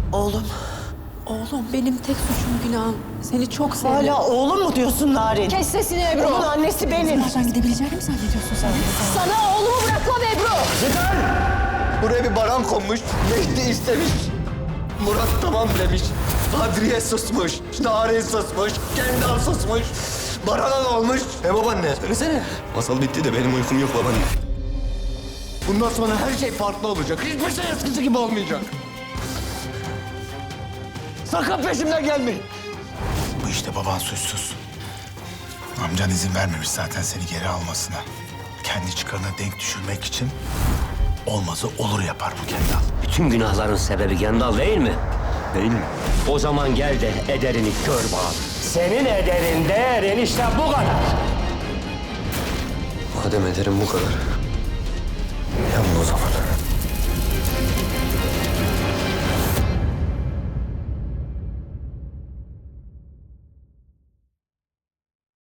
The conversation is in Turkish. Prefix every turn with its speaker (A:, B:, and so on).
A: Oğlum.
B: Oğlum benim tek suçum günahım. Seni çok sevdim.
A: Hala oğlum mu diyorsun Narin?
B: Kes sesini Ebru.
A: Onun annesi benim.
B: Nereden gidebileceğini mi zannediyorsun sen? Sana oğlumu bırakmam Ebru.
C: Yeter! Buraya bir baran konmuş, Mehdi istemiş. Murat tamam demiş. Kadriye susmuş, Narin susmuş, Kendal susmuş. Baran'a ne olmuş? Babaanne, söylesene. Masal bitti de benim uykum yok babaanne. Bundan sonra her şey farklı olacak. Hiçbir şey eskisi gibi olmayacak. Sakın peşimden gelmeyin.
D: Bu işte baban suçsuz. Amcan izin vermemiş zaten seni geri almasına. Kendi çıkarına denk düşürmek için olmazı olur yapar bu Kendal.
E: Bütün günahların sebebi Kendal değil mi?
C: Değil mi?
E: O zaman gel de ederini gör bakalım. Senin ederin değerin işte bu kadar.
C: Madem ederim bu kadar. Yanma o zaman.